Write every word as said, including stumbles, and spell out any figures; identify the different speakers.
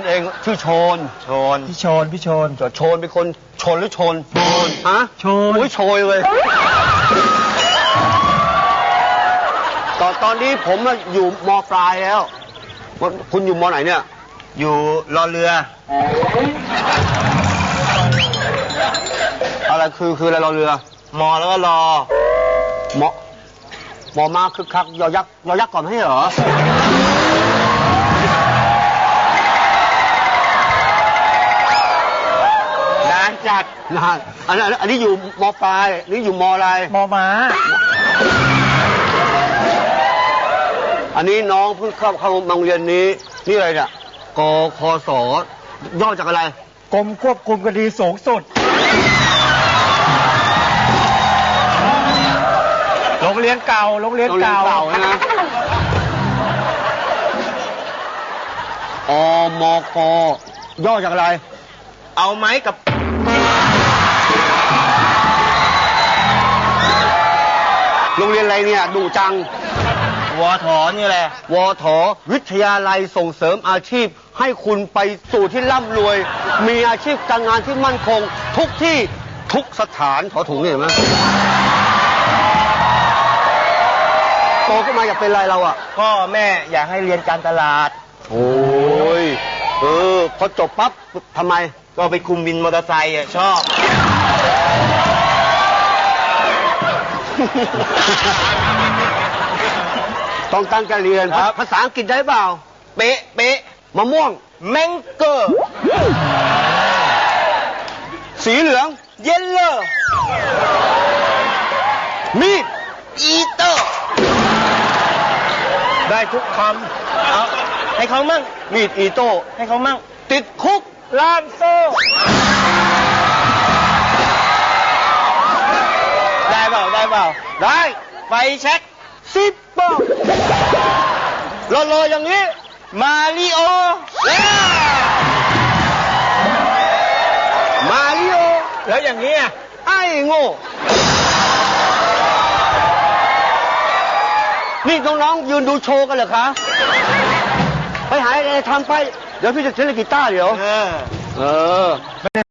Speaker 1: เองชื่อโชนโชน
Speaker 2: พี่โชนพี่โชน
Speaker 1: โชนเป็นคนชนหรือชนโชนฮะ
Speaker 2: โชน
Speaker 1: โอ้ยโชยเลยตอนตอนนี้ผมอยู่มอปลายแล้วคุณอยู่มอไหนเนี่ยอยู่รอเรืออะไรคือคืออะไรรอเรือมอแล้วก็รอมอมอมาคึกคักยอยักษ์ยอยักษ์ก่อนไม่ใช่เหรอนานจัดนานอันนี้อันนี้อยู่มอปลายนี่อยู่มออะไร
Speaker 2: มอม้า
Speaker 1: อันนี้น้องเพิ่งเข้าเข้าโรงเรียนนี้นี่อะไรเนี่ยกคศย่อจากอะไร
Speaker 2: กรมควบคุมคดีสูงสุดโรงเรียนเก่าโรงเรียนเก่า
Speaker 1: นะอมกย่อจากอะไรเอาไหมกับโรงเรียนอะไรเนี่ยดูจังวทนี่แหละวทวิทยาลัยส่งเสริมอาชีพให้คุณไปสู่ที่ร่ำรวยมีอาชีพการงานที่มั่นคงทุกที่ทุกสถานถอถุงเห็นไหมโตขึ้นมาอยากเป็นอะไรเราอ่ะพ่อแม่อยากให้เรียนการตลาดโอ้ยเออพอจบปั๊บทำไมก็ไปคุมวินมอเตอร์ไซค์อ่ะชอบต้องตั้งใจเรียนภาษาอังกฤษได้เปล่าเป๊ะเป๊ะมะม่วงแมงเกอร์สีเหลืองเยลโล่มีดอีโต้ได้ทุกคำเอาให้เขามั่งมีดอีโต้ให้เขามั่งติดคุกล่ามโซ่ได้เปล่าได้เปล่าได้ไฟแช็กสิบปองรอรออย่างนี้มาริโอมาริโอแล้วอย่างนี้ไอ้โง่นี่น้องๆยืนดูโชว์กันเหรอคะไปหาอะไรทำไปเดี๋ยวพี่จะเล่นกีตาร์เดี๋ยวเออเออ